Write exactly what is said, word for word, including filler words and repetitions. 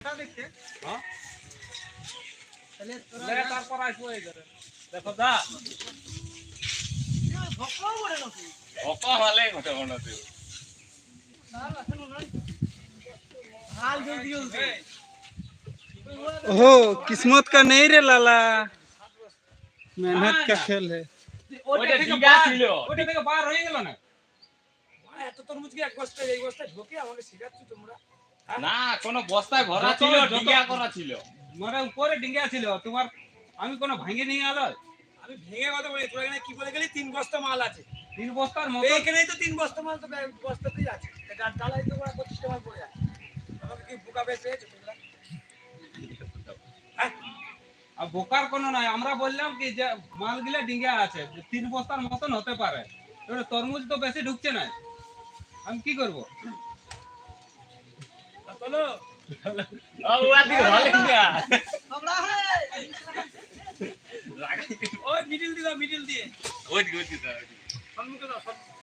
দেখতে হ্যাঁ তাহলে তোরা লে তারপর আসবো এই ঘরে দেখো দা ভক্কও বলে নাকি অকা হলে ঘটে মনে তুই না এখন নয় হাল জলদি জলদি ओहो किस्मत का नहीं रे लाला मेहनत का खेल है ওইটা ডিঙ্গা ছিল ওইটা থেকে বার হয়ে গেল না এত তরমুজ কি এক বস্তা এই বস্তা ঢোকে আমাকে শিখাচ্ছ তোমরা না কোন বস্তায় ভরা ছিল ডিঙ্গা করা ছিল মানে উপরে ডিঙ্গা ছিল তোমার আমি কোন ভাঙে নিয়ে আলো আমি ভেঙে কথা বলি তোরা এখানে কি বলে গেলি তিন বস্তা মাল আছে তিন বস্তার মতো এইখানেই তো তিন বস্তা মাল তো ব্যাগ বস্তাতেই আছে এটা ডালাই তো ওরা পঁচিশ টাকা পড়ে আছে আমাকে কি বোকা বেচে তোমরা হ্যাঁ আর বোকার কোনো নাই আমরা বললাম কি যে মালগুলা ডিঙ্গা আছে যে তিন বস্তার মতন হতে পারে এবারে তরমুজ তো বেশি ঢুকছে না আমি কি করব চলো ওরা দিকে ভালো ডিঙ্গা আমরা হে ওই মিডল দিও মিডল দিয়ে ওই দিকে ওই দিকে সম্মুখে দাও